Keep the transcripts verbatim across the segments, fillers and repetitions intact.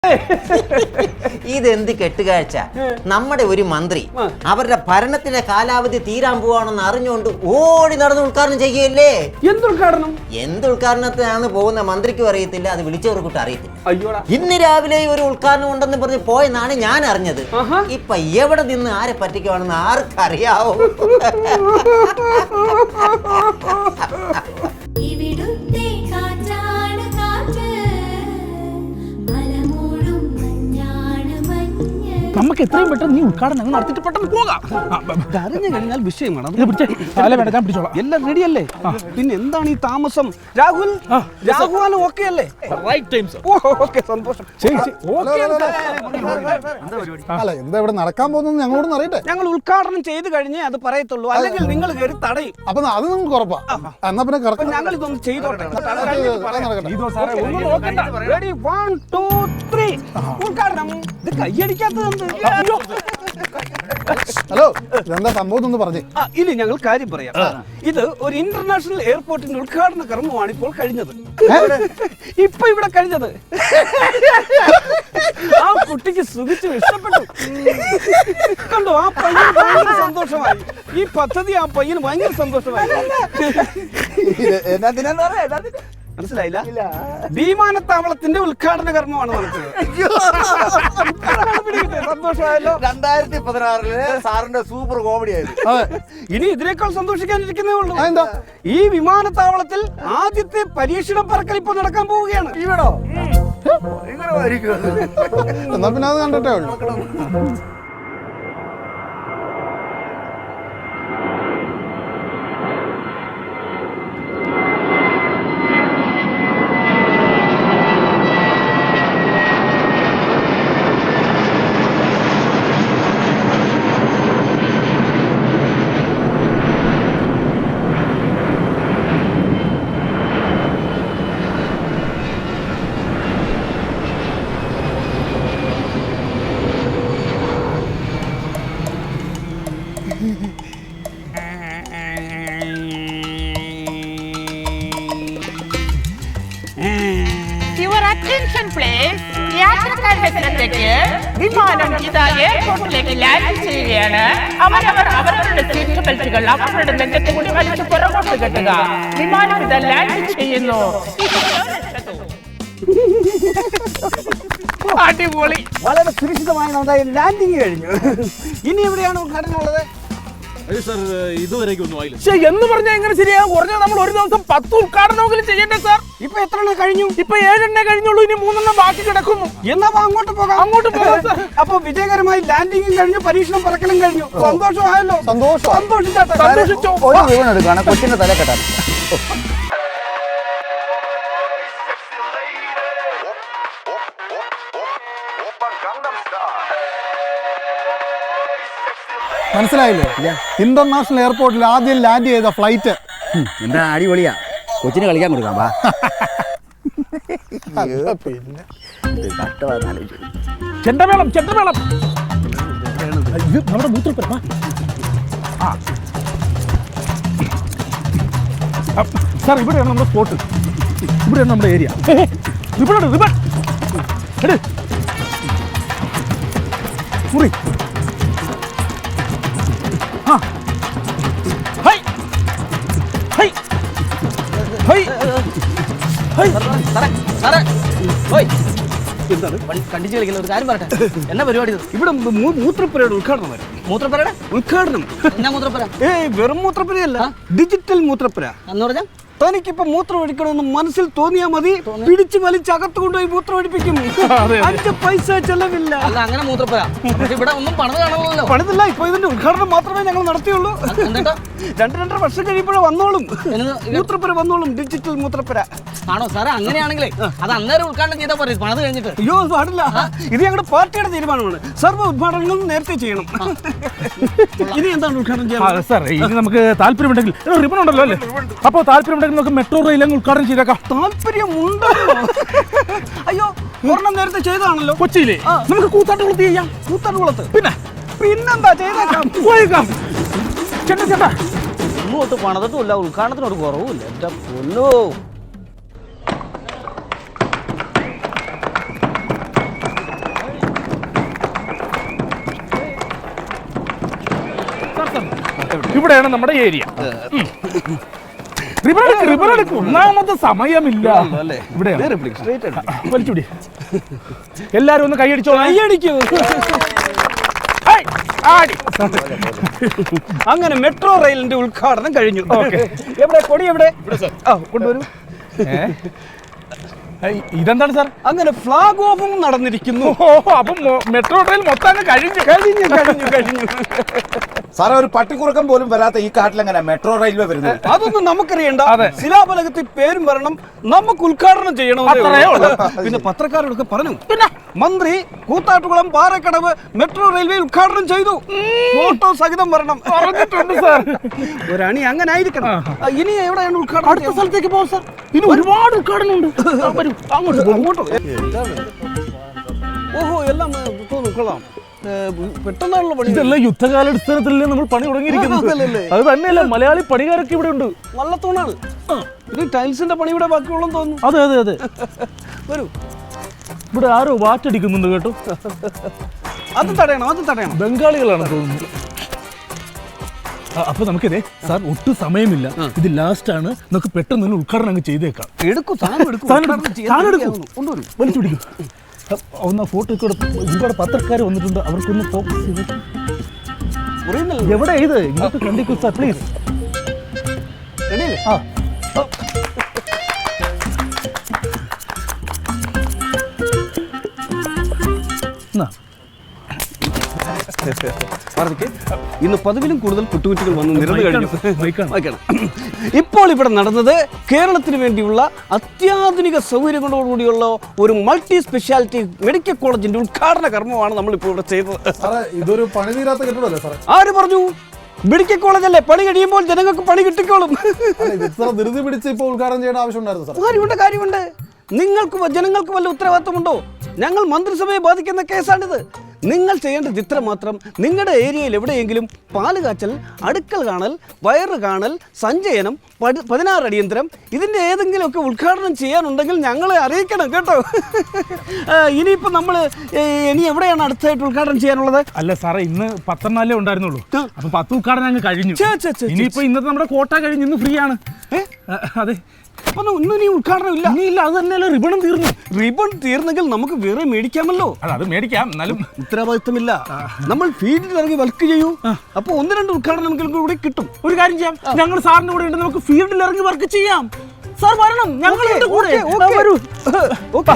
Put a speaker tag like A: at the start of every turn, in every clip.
A: ഇതെന്ത് കെട്ടുകാഴ്ച. നമ്മുടെ ഒരു മന്ത്രി അവരുടെ ഭരണത്തിന്റെ കാലാവധി തീരാൻ പോവാണെന്ന് അറിഞ്ഞുകൊണ്ട് ഓടി നടന്ന് ഉദ്ഘാടനം ചെയ്യുകയല്ലേ.
B: എന്തുദ്ഘാടനം?
A: എന്തുദ്ഘാടനത്തിനാണ് പോകുന്ന മന്ത്രിക്കും അറിയത്തില്ല, അത് വിളിച്ചവർക്കൂട്ട് അറിയത്തില്ല.
B: അയ്യോടാ,
A: ഇന്ന് രാവിലെ ഒരു ഉദ്ഘാടനം ഉണ്ടെന്ന് പറഞ്ഞ് പോയെന്നാണ് ഞാൻ അറിഞ്ഞത്. ഇപ്പൊ എവിടെ നിന്ന് ആരെ പറ്റിക്കുവാണെന്ന് ആർക്കറിയാവോ?
C: നമുക്ക് എത്രയും പെട്ടെന്ന് നീ ഉദ്ഘാടനം നടത്തിയിട്ട് പെട്ടെന്ന് പോകാം.
B: അറിഞ്ഞു കഴിഞ്ഞാൽ വിഷയമാണ്.
C: വേണ്ട, ഞാൻ പിടിച്ചോളാം.
B: എല്ലാം റെഡി അല്ലേ? പിന്നെ എന്താണ് ഈ താമസം? രാഹുൽ, രാഹുൽ ഓക്കെ അല്ലേ? സന്തോഷം.
D: അല്ല, എന്താ ഇവിടെ നടക്കാൻ പോകുന്നത് ഞങ്ങളോടൊന്നും അറിയട്ടെ.
B: ഞങ്ങൾ ഉദ്ഘാടനം ചെയ്ത് കഴിഞ്ഞേ അത് പറയത്തുള്ളൂ, അല്ലെങ്കിൽ നിങ്ങൾ കയറി തടയും.
D: അപ്പൊ അത് നിങ്ങൾക്ക് ഉറപ്പാ. എന്നാ പിന്നെ കിടക്കാം.
B: ഞങ്ങൾ ഇതൊന്ന് ചെയ്തോട്ടെ. ഇത് കൈയടിക്കാത്തത്.
D: ഹലോ, ഇതെന്താ സംഭവം എന്ന് പറഞ്ഞേ.
B: ഇനി ഞങ്ങൾ കാര്യം പറയാം. ഇത് ഒരു ഇന്റർനാഷണൽ എയർപോർട്ടിന്റെ ഉദ്ഘാടന കർമ്മമാണ് ഇപ്പോൾ കഴിഞ്ഞത്. ഇപ്പൊ ഇവിടെ കഴിഞ്ഞത്. ആ കുട്ടിക്ക് സുഖിച്ചു ഇഷ്ടപ്പെട്ടു. കണ്ടോ, ആ പയ്യന് ഭയങ്കര സന്തോഷമായി. ഈ പദ്ധതി ആ പയ്യന് ഭയങ്കര സന്തോഷമായി. മനസ്സിലായില്ല? വിമാനത്താവളത്തിന്റെ ഉദ്ഘാടന കർമ്മമാണ് നടക്കുന്നത്. സന്തോഷമായല്ലോ.
E: രണ്ടായിരത്തി പതിനാറില് സാറിന്റെ സൂപ്പർ കോമഡി ആയിരുന്നു.
B: ഇനി ഇതിനേക്കാൾ സന്തോഷിക്കാനിരിക്കുന്നേ ഉള്ളൂ. ഈ വിമാനത്താവളത്തിൽ ആദ്യത്തെ പരീക്ഷണ പറക്കൽ ഇപ്പൊ നടക്കാൻ പോവുകയാണ്.
E: ഇവിടോ
D: എന്നാ പിന്നെ അത് കണ്ടിട്ടേ ഉള്ളൂ.
F: യാത്രക്കാരുടെ ശ്രദ്ധയ്ക്ക് വിമാനം ഇതാ എയർപോർട്ടിലേക്ക് ലാൻഡ് ചെയ്യുകയാണ്. അവരവർ അവരവരുടെ സീറ്റ് ബെൽറ്റുകൾ അവരുടെ നെഞ്ചത്ത് കൂടി വലിച്ചു പുറകോട്ട് കെട്ടുക. വിമാനം ഇതാ ലാൻഡ് ചെയ്യുന്നു. അടിപൊളി.
B: വളരെ സുരക്ഷിതമായി നമ്മുടെ ലാൻഡിങ് കഴിഞ്ഞു. ഇനി എവിടെയാണ് ഉദ്ഘാടനം ഉള്ളത്?
C: എന്ന് പറഞ്ഞാൽ എങ്ങനെ ശരിയാകും? കുറഞ്ഞ നമ്മൾ ഒരു ദിവസം പത്ത് ഉദ്ഘാടനമെങ്കിലും ചെയ്യണ്ടേ സാർ?
B: ഇപ്പൊ എത്ര എണ്ണം കഴിഞ്ഞു?
C: ഇപ്പൊ ഏഴെണ്ണേ കഴിഞ്ഞുള്ളൂ. ഇനി മൂന്നെണ്ണം ബാക്കി കിടക്കുന്നു.
B: എന്നാ അങ്ങോട്ട് പോകാം.
C: അങ്ങോട്ട് പോകാം.
B: അപ്പൊ വിജയകരമായി ലാൻഡിങ്ങും കഴിഞ്ഞു, പരീക്ഷണം പറക്കലും കഴിഞ്ഞു. സന്തോഷമായല്ലോ.
D: സന്തോഷം.
B: സന്തോഷിച്ചാട്ടെ.
C: സന്തോഷിച്ചോ?
E: ഒരു വീണ് എടുക്കാണ് കൊച്ചിന്റെ തല കെട്ടാൻ.
D: മനസ്സിലായില്ലേ? ഇന്റർനാഷണൽ എയർപോർട്ടിൽ ആദ്യം ലാൻഡ് ചെയ്ത ഫ്ലൈറ്റ്.
E: എന്താ അടിപൊളിയാ. കൊച്ചിന് കളിക്കാൻ കൊടുക്കാം. വാ.
D: പിന്നെ
C: ചെണ്ടമേളം, ചെണ്ടമേളം. ഇത് നമ്മുടെ മൂത്രപ്പുര. സാർ, ഇവിടെയാണ് നമ്മുടെ സ്പോട്ട്. ഇവിടെയാണ് നമ്മുടെ ഏരിയ. റിബൺ റിബൺ എട് മുറി. ആ ഹൈ ഹൈ ഹൈ ഹൈ.
B: എന്താണ്
A: കണ്ടിച്ച് കളിക്കുന്ന ഒരു കാര്യം പറയട്ടെ. എന്നാ പരിപാടി?
B: ഇവിടെ മൂത്രപ്പുരയുടെ ഉദ്ഘാടനം വരും.
A: മൂത്രപ്പുരയുടെ
B: ഉദ്ഘാടനം.
A: എന്നാ മൂത്രപ്പുര?
B: ഏയ്, വെറും മൂത്രപ്പുരയല്ല, ഡിജിറ്റൽ മൂത്രപ്പുര.
A: എന്ന് പറഞ്ഞാ
B: തനിക്കിപ്പോ മൂത്രം ഒഴിക്കണമെന്ന് മനസ്സിൽ തോന്നിയാ മതി, പിടിച്ചു വലിച്ച് അകത്ത് കൊണ്ടുപോയി മൂത്രം ഒഴിപ്പിക്കും. അഞ്ച് പൈസ ചെലവില്ല.
A: അല്ല, അങ്ങനെ മൂത്രപ്പുര. ഇവിടെ ഒന്നും പണിത് കാണുമല്ലോ.
B: പണിതില്ല. ഇപ്പൊ ഇതിന്റെ ഉദ്ഘാടനം മാത്രമേ ഞങ്ങൾ നടത്തിയുള്ളൂ. രണ്ട് രണ്ടര വർഷം കഴിയുമ്പോഴേ വന്നോളും. മൂത്രപ്പുര വന്നോളും, ഡിജിറ്റൽ മൂത്രപ്പുര.
A: ആണോ സാറേ? അങ്ങനെയാണെങ്കിലേ അത് അന്നേരം ഉദ്ഘാടനം ചെയ്താൽ പോരെ, പണിത് കഴിഞ്ഞിട്ട്.
B: അയ്യോ, പാടില്ല. ഇത് ഞങ്ങളുടെ പാർട്ടിയുടെ തീരുമാനമാണ്. സർവ്വ ഉദ്ഘാടനങ്ങളും നേരത്തെ ചെയ്യണം. ഇനി എന്താണ് ഉദ്ഘാടനം ചെയ്യാൻ?
C: സാർ, ഇനി നമുക്ക് താല്പര്യമുണ്ടെങ്കിൽ റിബൺ ഉണ്ടല്ലോ അല്ലേ? അപ്പൊ താല്പര്യമുണ്ടെങ്കിൽ നമുക്ക് മെട്രോ റെയിൽ അങ്ങ് ഉദ്ഘാടനം ചെയ്തേക്കാം.
B: താല്പര്യമുണ്ടോ? അയ്യോ, ഒരെണ്ണം നേരത്തെ ചെയ്താണല്ലോ
C: കൊച്ചിയിലെ. നമുക്ക് കൂത്താട്ടുകുളത്ത് ചെയ്യാം.
B: കൂത്താട്ടുകുളത്ത്
C: പിന്നെ
B: പിന്നെന്താ ചെയ്തേക്കാം.
C: പോയേക്കാം. ചേട്ടാ ചേട്ടാ,
A: ഒന്നും പണിതിട്ടുമില്ല, ഉദ്ഘാടനത്തിനൊരു കുറവുമില്ല. എന്റെ പൊന്നോ.
C: ഇവിടെയാണ് നമ്മുടെ ഏരിയ. ഒന്നാമത്തെ സമയമില്ല. ഇവിടെ വലിച്ചുടി. എല്ലാരും ഒന്ന് കൈയടിച്ചോ. കൈയടിക്കൂ.
B: അങ്ങനെ മെട്രോ റെയിലിന്റെ ഉദ്ഘാടനം കഴിഞ്ഞു. എവിടെ കൊടി? എവിടെ കൊണ്ടുവരൂ.
C: ഇതെന്താണ് സാർ?
B: അങ്ങനെ ഫ്ലാഗ് ഓഫും നടന്നിരിക്കുന്നു.
C: അപ്പം മെട്രോ ട്രെയിൻ മൊത്തം കഴിഞ്ഞു
B: കഴിഞ്ഞു കഴിഞ്ഞു കഴിഞ്ഞു
E: സാറേ, ഒരു പട്ടിക്കുറുക്കം പോലും വരാത്ത ഈ കാട്ടിലെങ്ങനെ മെട്രോ റെയിൽവേ വരുന്നത്?
B: അതൊന്നും നമുക്കറിയണ്ട. ശിലാഫലകത്തിൽ പേരും വരണം, നമുക്ക് ഉദ്ഘാടനം ചെയ്യണം. പിന്നെ പത്രക്കാരോടൊക്കെ പറഞ്ഞു. പിന്നെ മന്ത്രി കൂത്താട്ടുകുളം പാറക്കടവ് മെട്രോ റെയിൽവേ ഉദ്ഘാടനം ചെയ്തു. ഫോട്ടോ സഹിതം വരണം പറഞ്ഞിട്ടുണ്ട് സാർ. ഒരണി അങ്ങനെ ആയിരിക്കണം. ഇനി എവിടെയാണ് ഉദ്ഘാടനം?
C: അടുത്ത സ്ഥലത്തേക്ക് പോകും സാർ. ഇനി ഒരുപാട് ഉദ്ഘാടനം ഉണ്ട്. അങ്ങോട്ട്.
B: ഓഹോ, എല്ലാം കൊള്ളാം. പെട്ടെന്നുള്ള പണി.
C: ഇതല്ല യുദ്ധകാലാടിസ്ഥാനത്തിലല്ലേ നമ്മൾ പണി തുടങ്ങിയിരിക്കുന്നത്. അത് തന്നെയല്ല, മലയാളി പണിക്കാരൊക്കെ ഇവിടെ ഉണ്ട്.
B: നല്ല തൂണാണ്. ഇനി ടൈൽസിന്റെ പണി ഇവിടെ ബാക്കിയുള്ളതെന്ന് തോന്നുന്നു.
C: അതെ അതെ അതെ.
B: വരൂ.
C: ഇവിടെ ആരോ വാറ്റടിക്കുന്നുണ്ട് കേട്ടോ.
B: അത് തടയണം, അത് തടയണം.
C: ബംഗാളികളാണ് തോന്നുന്നു. അപ്പൊ നമുക്കിതേ സാർ ഒട്ടും സമയമില്ല. ഇത് ലാസ്റ്റ് ആണ്. നമുക്ക് പെട്ടെന്ന് തന്നെ ഉദ്ഘാടനം അങ്ങ് ചെയ്തേക്കാം.
B: എടുക്കും
C: വലിച്ചു പിടിക്കും. ഒന്ന് ഫോട്ടോ ഒക്കെ ഒരുപാട് പത്രക്കാർ വന്നിട്ടുണ്ട്. അവർക്കൊന്ന് ഫോക്കസ് ചെയ്ത്. എവിടെ ഇത് ഇങ്ങോട്ട് കണ്ടിക്കൂ സാർ പ്ലീസ്. ആ
B: ഇന്ന് പതിവിലും കൂടുതൽ കുട്ടുകുറ്റികൾ വന്ന് നിരന്നു കഴിഞ്ഞു. ഇപ്പോൾ ഇവിടെ നടന്നത് കേരളത്തിന് വേണ്ടിയുള്ള അത്യാധുനിക സൗകര്യങ്ങളോടുകൂടിയുള്ള ഒരു മൾട്ടി സ്പെഷ്യാലിറ്റി മെഡിക്കൽ കോളേജിന്റെ ഉദ്ഘാടന കർമ്മമാണ് നമ്മളിപ്പോൾ ഇവിടെ ചെയ്തത്.
D: ഇതൊരു പണി തീരാത്ത കെട്ടിടമല്ലേ സാറേ?
B: ആര് പറഞ്ഞു? മെഡിക്കൽ കോളേജ് അല്ലേ, പണി കഴിയുമ്പോൾ ജനങ്ങൾക്ക് പണി കിട്ടിക്കോളും.
D: ധൃതി പിടിച്ച് ഇപ്പോൾ ഉദ്ഘാടനം ചെയ്യേണ്ട ആവശ്യമുണ്ടായിരുന്നു സാർ?
B: കാര്യമുണ്ട് കാര്യമുണ്ട്. നിങ്ങൾക്ക് ജനങ്ങൾക്ക് വല്ല ഉത്തരവാദിത്തമുണ്ടോ? ഞങ്ങൾ മന്ത്രിസഭയെ ബാധിക്കുന്ന കേസാണിത്. നിങ്ങൾ ചെയ്യേണ്ടത് ഇത്ര മാത്രം. നിങ്ങളുടെ ഏരിയയിൽ എവിടെയെങ്കിലും പാല് കാച്ചൽ, അടുക്കൽ കാണൽ, വയറ് കാണൽ, സഞ്ചയനം, പതിനാറ് അടിയന്തരം ഇതിൻ്റെ ഏതെങ്കിലുമൊക്കെ ഉദ്ഘാടനം ചെയ്യാനുണ്ടെങ്കിൽ ഞങ്ങളെ അറിയിക്കണം കേട്ടോ. ഇനിയിപ്പോൾ നമ്മൾ ഇനി എവിടെയാണ് അടുത്തായിട്ട് ഉദ്ഘാടനം ചെയ്യാനുള്ളത്?
C: അല്ല സാറേ, ഇന്ന് പത്തെണ്ണാലേ ഉണ്ടായിരുന്നുള്ളൂ. അപ്പൊ പത്ത് ഉദ്ഘാടനം അങ്ങ് കഴിഞ്ഞു. ഇനിയിപ്പോ ഇന്നത്തെ നമ്മുടെ കോട്ട കഴിഞ്ഞ് ഇന്ന് ഫ്രീ ആണ്. അതെ.
B: അപ്പൊ ഒന്നും ഇനി ഉദ്ഘാടനം ഇല്ല.
C: ഇല്ല, അത് തന്നെയല്ല, റിബണും തീർന്നു.
B: റിബൺ തീർന്നെങ്കിൽ നമുക്ക് വേറെ മേടിക്കാമല്ലോ.
C: അത് മേടിക്കാം, എന്നാലും
B: ഉത്തരവാദിത്തമില്ല. നമ്മൾ ഫീൽഡിൽ ഇറങ്ങി വർക്ക് ചെയ്യൂ. അപ്പൊ ഒന്ന് രണ്ട് ഉദ്ഘാടനം കൂടി കിട്ടും.
C: ഒരു കാര്യം ചെയ്യാം, ഞങ്ങൾ സാറിന്റെ കൂടെ ഉണ്ട്. നമുക്ക് ഫീൽഡിൽ ഇറങ്ങി വർക്ക് ചെയ്യാം. സാർ വരണം, ഞങ്ങളുടെ കൂടെ വരൂ.
B: ഓക്കെ.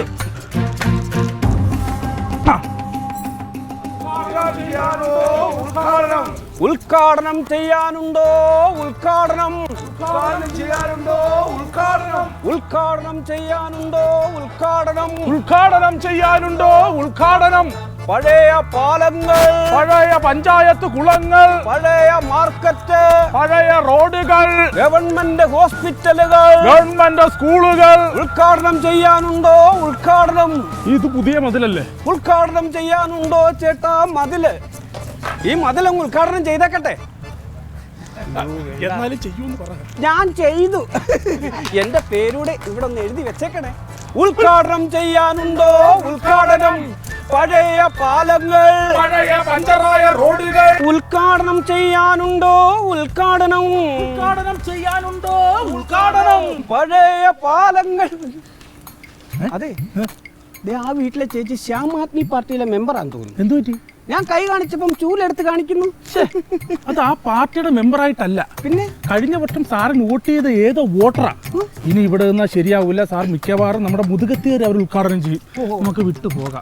B: ഉദ്ഘാടനം ചെയ്യാനുണ്ടോ? ഉദ്ഘാടനം ചെയ്യാനുണ്ടോ? ഉദ്ഘാടനം ഉദ്ഘാടനം ചെയ്യാനുണ്ടോ? ഉദ്ഘാടനം
C: ഉദ്ഘാടനം ചെയ്യാനുണ്ടോ? ഉദ്ഘാടനം.
B: പഴയ പാലങ്ങൾ,
C: പഴയ പഞ്ചായത്ത് കുളങ്ങൾ,
B: പഴയ മാർക്കറ്റ്,
C: പഴയ റോഡുകൾ,
B: ഗവൺമെന്റ് ഹോസ്പിറ്റലുകൾ,
C: ഗവൺമെന്റ് സ്കൂളുകൾ
B: ഉദ്ഘാടനം ചെയ്യാനുണ്ടോ? ഉദ്ഘാടനം.
C: ഇത് പുതിയ മതിലല്ലേ?
B: ഉദ്ഘാടനം ചെയ്യാനുണ്ടോ ചേട്ടാ മതില്? ഈ മതിലങ്ങ് ഉദ്ഘാടനം ചെയ്തേക്കട്ടെ.
C: എന്നാലും ചെയ്യൂന്ന് പറ.
B: ഞാൻ ചെയ്തു. എന്റെ പേരൂടെ ഇവിടെ ഒന്ന് എഴുതി വെച്ചേക്കണേ. ഉദ്ഘാടനം ചെയ്യാനുണ്ടോ? ഉദ്ഘാടനം. പഴയ പാലങ്ങൾ,
C: പഴയ പഞ്ചറായ റോഡുകൾ
B: ഉദ്ഘാടനം ചെയ്യാനുണ്ടോ? ഉദ്ഘാടനം.
C: ഉദ്ഘാടനം ചെയ്യാനുണ്ടോ? ഉദ്ഘാടനം.
B: പഴയ പാലങ്ങൾ. അതെ, ആ വീട്ടിലെ ചേച്ചി ശ്യാം ആദ്മി പാർട്ടിയിലെ മെമ്പറാന്ന് തോന്നുന്നു.
C: എന്തു പറ്റി?
B: ഞാൻ കൈ കാണിച്ചപ്പം ചൂലെടുത്ത് കാണിക്കുന്നു.
C: അത് ആ പാർട്ടിയുടെ മെമ്പറായിട്ടല്ല.
B: പിന്നെ
C: കഴിഞ്ഞ വട്ടം സാറിന് വോട്ട് ചെയ്ത ഏതോ വോട്ടറാ. ഇനി ഇവിടെ നിന്നാ ശരിയാവില്ല. സാർ മിക്കവാറും നമ്മുടെ മുതുകത്തേര് അവർ ഉദ്ഘാടനം ചെയ്യും. നമുക്ക് വിട്ടു പോകാം.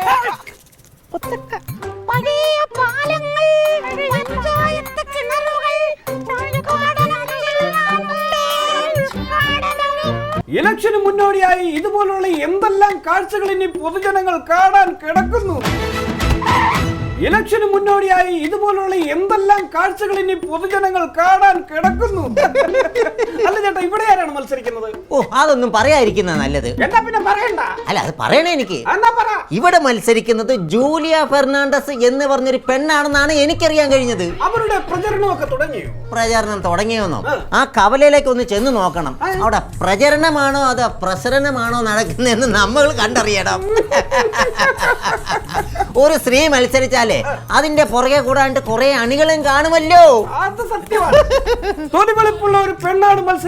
B: ഇലക്ഷന് മുന്നോടിയായി ഇതുപോലുള്ള എന്തെല്ലാം കാഴ്ചകൾ ഇനി പൊതുജനങ്ങൾ കാണാൻ കിടക്കുന്നു. ഇലക്ഷന് മുന്നോടിയായി ഇതുപോലുള്ള എന്തെല്ലാം കാഴ്ചകൾ ഇനി പൊതുജനങ്ങൾ കാണാൻ കിടക്കുന്നു. അല്ല ചേട്ടാ, ഇവിടെ ആരാണ് മത്സരിക്കുന്നത്?
A: ഓ, അതൊന്നും പറയാതിരിക്കുന്ന നല്ലത്.
B: എന്നാ പിന്നെ പറയണ്ട.
A: അല്ല, അത് പറയണേ എനിക്ക്.
B: എന്നാ പറ.
A: ഇവിടെ മത്സരിക്കുന്നത് ജൂലിയ ഫെർണാണ്ടസ് എന്ന് പറഞ്ഞൊരു പെണ്ണാണെന്നാണ് എനിക്കറിയാൻ കഴിഞ്ഞത്.
B: അവരുടെ പ്രചരണമൊക്കെ തുടങ്ങിയോ?
A: പ്രചരണം തുടങ്ങിയോന്നോ? ആ കവലയിലേക്ക് ഒന്ന് ചെന്ന് നോക്കണം. അവിടെ പ്രചരണമാണോ അതോ പ്രസരണമാണോ നടക്കുന്നതെന്ന് നമ്മൾ കണ്ടറിയണം. ഒരു സ്ത്രീ മത്സരിച്ചാലേ അതിന്റെ പുറകെ കൂടാണ്ട് കുറെ അണികളും കാണുമല്ലോ.
B: അത് സത്യമാണ്. തൊലിവെളുപ്പുള്ള ഒരു പെണ്ണാണ് മത്സരം